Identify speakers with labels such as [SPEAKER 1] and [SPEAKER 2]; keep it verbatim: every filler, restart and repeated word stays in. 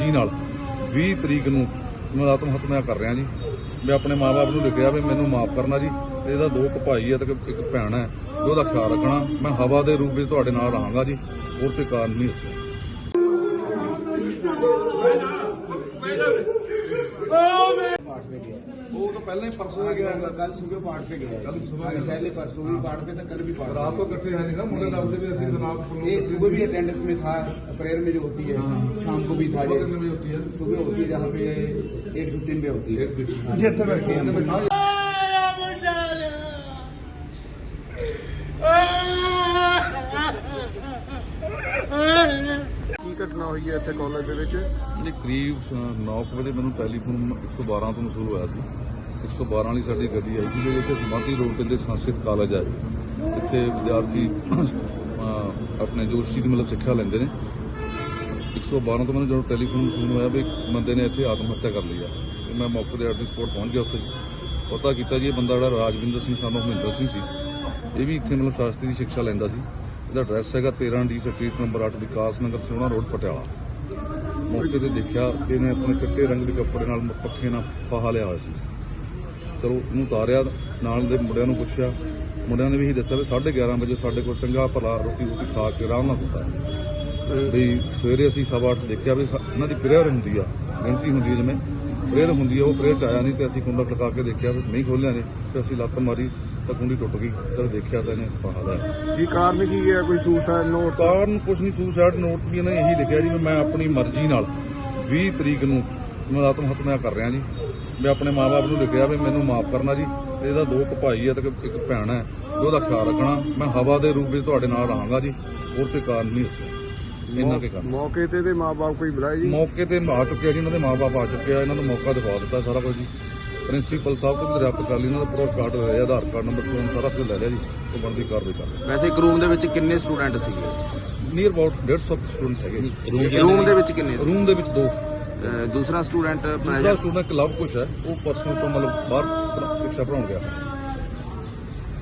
[SPEAKER 1] ਮਰਜ਼ੀ ਨਾਲ ਵੀਹ ਤਰੀਕ ਨੂੰ ਮੈਂ ਆਤਮ ਹੱਤਿਆ ਕਰ ਰਿਹਾ ਜੀ। ਮੈਂ ਆਪਣੇ ਮਾਂ-ਬਾਪ ਨੂੰ ਲਿਖਿਆ ਵੀ ਮੈਨੂੰ ਮਾਫ ਕਰਨਾ ਜੀ। ਇਹਦਾ ਦੋ ਕੁ ਭਾਈ ਹੈ ਤੇ ਇੱਕ ਭੈਣ ਹੈ, ਉਹਦਾ ਖਿਆਲ ਰੱਖਣਾ। ਮੈਂ ਹਵਾ ਦੇ ਰੂਪ ਵਿੱਚ ਤੁਹਾਡੇ ਨਾਲ ਰਹਾਂਗਾ ਜੀ, ਹੋਰ ਕੋਈ ਕਾਰਨ ਨਹੀਂ ਦੱਸਿਆ। वो तो पहले ही परसों गया,
[SPEAKER 2] कल सुबह पाठ पे गया,
[SPEAKER 1] कल सुबह
[SPEAKER 2] पहले परसों भी पाठ पे था, कल भी पाठ
[SPEAKER 1] रात को इकट्ठे हैं नहीं ना मुंडे दसदे भी असं रात
[SPEAKER 2] ये सुबह भी अटेंडेंस में था, प्रेयर में जो होती है शाम को भी था,
[SPEAKER 1] में होती है
[SPEAKER 2] सुबह होती है जहाँ पे एट फिफ्टीन पे होती है।
[SPEAKER 1] जितने बैठे हैं
[SPEAKER 3] ਕੀ ਘਟਨਾ ਹੋਈ ਹੈ ਇੱਥੇ ਕਾਲਜ ਦੇ ਵਿੱਚ?
[SPEAKER 1] ਜੀ ਕਰੀਬ ਨੌ ਵਜੇ ਮੈਨੂੰ ਟੈਲੀਫੋਨ ਇੱਕ ਸੌ ਬਾਰਾਂ ਤੋਂ ਮਸੂਲ ਹੋਇਆ ਸੀ। ਇੱਕ ਸੌ ਬਾਰਾਂ ਵਾਲੀ ਸਾਡੀ ਗੱਡੀ ਆਈ ਸੀ ਜਿਹਦੇ ਵਿੱਚ ਸਮਾਧੀ ਰੋਡ ਤੇ ਸੰਸਕ੍ਰਿਤ ਕਾਲਜ ਹੈ। ਇੱਥੇ ਵਿਦਿਆਰਥੀ ਆਪਣੇ ਜੋਸ਼ੀ ਦੀ ਮਤਲਬ ਸਿੱਖਿਆ ਲੈਂਦੇ ਨੇ। ਇੱਕ ਸੌ ਬਾਰਾਂ ਤੋਂ ਮੈਨੂੰ ਜਦੋਂ ਟੈਲੀਫੋਨ ਮਸੂਲ ਹੋਇਆ ਵੀ ਇੱਕ ਬੰਦੇ ਨੇ ਇੱਥੇ ਆਤਮ ਹੱਤਿਆ ਕਰ ਲਈ ਆ ਤੇ ਮੈਂ ਮੌਕੇ ਤੇ ਐਟ ਸਪੋਰਟ ਪਹੁੰਚ ਗਿਆ। ਉੱਥੇ ਪਤਾ ਕੀਤਾ ਜੀ ਇਹ ਬੰਦਾ ਜਿਹੜਾ ਰਾਜਵਿੰਦਰ ਸਿੰਘ ਸਾਨੂੰ ਮਹਿੰਦਰ ਸਿੰਘ ਸੀ, ਇਹ ਵੀ ਇੱਥੇ ਮਤਲਬ ਸ਼ਾਸਤਰੀ ਦੀ ਸਿੱਖਿਆ ਲੈਂਦਾ ਸੀ। ਇਹਦਾ ਐਡਰੈਸ ਹੈਗਾ ਤੇਰਾਂ ਡੀ ਸਟਰੀਟ ਨੰਬਰ ਅੱਠ ਵਿਕਾਸ ਨਗਰ ਸੋਹਣਾ ਰੋਡ ਪਟਿਆਲਾ। ਮੌਕੇ ਤੇ ਦੇਖਿਆ ਕਿ ਇਹਨੇ ਆਪਣੇ ਚਿੱਟੇ ਰੰਗ ਦੇ ਕੱਪੜੇ ਨਾਲ ਪੱਖੇ ਨਾਲ ਫਾਹਾ ਲਿਆ ਹੋਇਆ ਸੀ। ਚਲੋ ਇਹਨੂੰ ਉਤਾਰਿਆ, ਨਾਲ ਦੇ ਮੁੰਡਿਆਂ ਨੂੰ ਪੁੱਛਿਆ, ਮੁੰਡਿਆਂ ਨੇ ਵੀ ਇਹੀ ਦੱਸਿਆ ਵੀ ਸਾਢੇ ਗਿਆਰਾਂ ਵਜੇ ਸਾਡੇ ਕੋਲ ਚੰਗਾ ਭਲਾ ਰੋਟੀ ਰੋਟੀ ਖਾ ਕੇ ਆਰਾਮ ਨਾਲ ਸੁੱਤਾ ਵੀ ਸਵੇਰੇ ਅਸੀਂ ਸਵਾ ਅੱਠ ਦੇਖਿਆ ਵੀ ਇਹਨਾਂ ਦੀ ਪ੍ਰੇਅਰ ਹੁੰਦੀ ਆ, ਗਿਣਤੀ ਹੁੰਦੀ ਹੈ, ਜਿਵੇਂ ਪ੍ਰੇਅਰ ਹੁੰਦੀ ਆ, ਉਹ ਪ੍ਰੇਅਰ 'ਚ ਆਇਆ ਨਹੀਂ ਤੇ ਅਸੀਂ ਕੁੰਡਾ ਖੜਕਾ ਕੇ ਦੇਖਿਆ ਵੀ ਨਹੀਂ ਖੋਲਿਆ ਨੇ ਤੇ ਅਸੀਂ ਲੱਤ ਮਾਰੀ ਤਾਂ ਕੁੰਡੀ ਟੁੱਟ ਗਈ। ਜਦ ਦੇਖਿਆ ਤਾਂ ਇਹਨੇ ਫਾਹਾ ਲਿਆ।
[SPEAKER 3] ਕੀ ਕਾਰਨ ਕੀ ਹੈ? ਕੋਈ ਸੁਸਾਈਡ ਨੋਟ?
[SPEAKER 1] ਕਾਰਨ ਕੁਛ ਨਹੀਂ, ਸੁਸਾਈਡ ਨੋਟ ਵੀ ਇਹਨੇ ਇਹੀ ਲਿਖਿਆ ਜੀ ਵੀ ਮੈਂ ਆਪਣੀ ਮਰਜ਼ੀ ਨਾਲ ਵੀਹ ਤਰੀਕ ਨੂੰ ਮੈਂ ਆਤਮ ਹੱਤਿਆ ਕਰ ਰਿਹਾ ਜੀ। ਮੈਂ ਆਪਣੇ ਮਾਂ-ਬਾਪ ਨੂੰ ਲਿਖਿਆ ਵੀ ਮੈਨੂੰ ਮਾਫ ਕਰਨਾ ਜੀ। ਇਹਦਾ ਦੋ ਕੁ ਭਾਈ ਹੈ ਤੇ ਇੱਕ ਭੈਣ ਹੈ, ਉਹਦਾ ਖਿਆਲ ਰੱਖਣਾ। ਮੈਂ ਹਵਾ ਦੇ ਰੂਪ ਵਿੱਚ ਤੁਹਾਡੇ ਨਾਲ ਰਹਾਂਗਾ ਜੀ, ਹੋਰ ਕੋਈ ਕਾਰਨ ਨਹੀਂ ਦੱਸਿਆ। ਇੰਨਾ ਕੇ ਕਾਰਨ।
[SPEAKER 3] ਮੌਕੇ ਤੇ ਦੇ ਮਾਂ-ਬਾਪ ਕੋਈ ਬੁਲਾਏ ਜੀ?
[SPEAKER 1] ਮੌਕੇ ਤੇ ਆ ਚੁੱਕਿਆ ਜੀ, ਇਹਨਾਂ ਦੇ ਮਾਂ-ਬਾਪ ਆ ਚੁੱਕੇ ਆ, ਇਹਨਾਂ ਨੂੰ ਮੌਕਾ ਦਿਖਾ ਦਿੱਤਾ ਸਾਰਾ ਕੁਝ ਜੀ। ਪ੍ਰਿੰਸੀਪਲ ਸਾਹਿਬ ਤੋਂ ਵੀ ਦਰਿਆਪਤ ਕਰ ਲਈ, ਇਹਨਾਂ ਦਾ ਪੂਰਾ ਕਾਰਡ ਲੈ ਲਿਆ, ਆਧਾਰ ਕਾਰਡ ਨੰਬਰ ਫੋਨ ਸਾਰਾ ਕੁਝ ਲੈ ਲਿਆ ਜੀ। ਉਹ ਬਣਦੀ ਕਾਰਵਾਈ ਕਰ ਲਈ।
[SPEAKER 4] ਵੈਸੇ ਇੱਕ ਰੂਮ ਦੇ ਵਿੱਚ ਕਿੰਨੇ ਸਟੂਡੈਂਟ ਸੀਗੇ?
[SPEAKER 1] ਨੀਅਰ ਅਬਾਊਟ ਡੇਢ ਸੌ ਸਟੂਡੈਂਟ ਹੈਗੇ ਜੀ।
[SPEAKER 4] ਰੂਮ ਦੇ ਵਿੱਚ ਕਿੰਨੇ ਸੀ?
[SPEAKER 1] ਰੂਮ ਦੇ ਵਿੱਚ ਦੋ।
[SPEAKER 4] ਅਹ ਦੂਸਰਾ ਸਟੂਡੈਂਟ
[SPEAKER 1] ਦੂਸਰਾ ਸਟੂਡੈਂਟ ਲਵ ਕੁਛ ਹੈ, ਉਹ ਪਰਸੋਂ ਤੋਂ ਮਤਲਬ ਬਾਹਰ ਸਿੱਖਿਆ ਪੜਾਉਣ ਗਿਆ।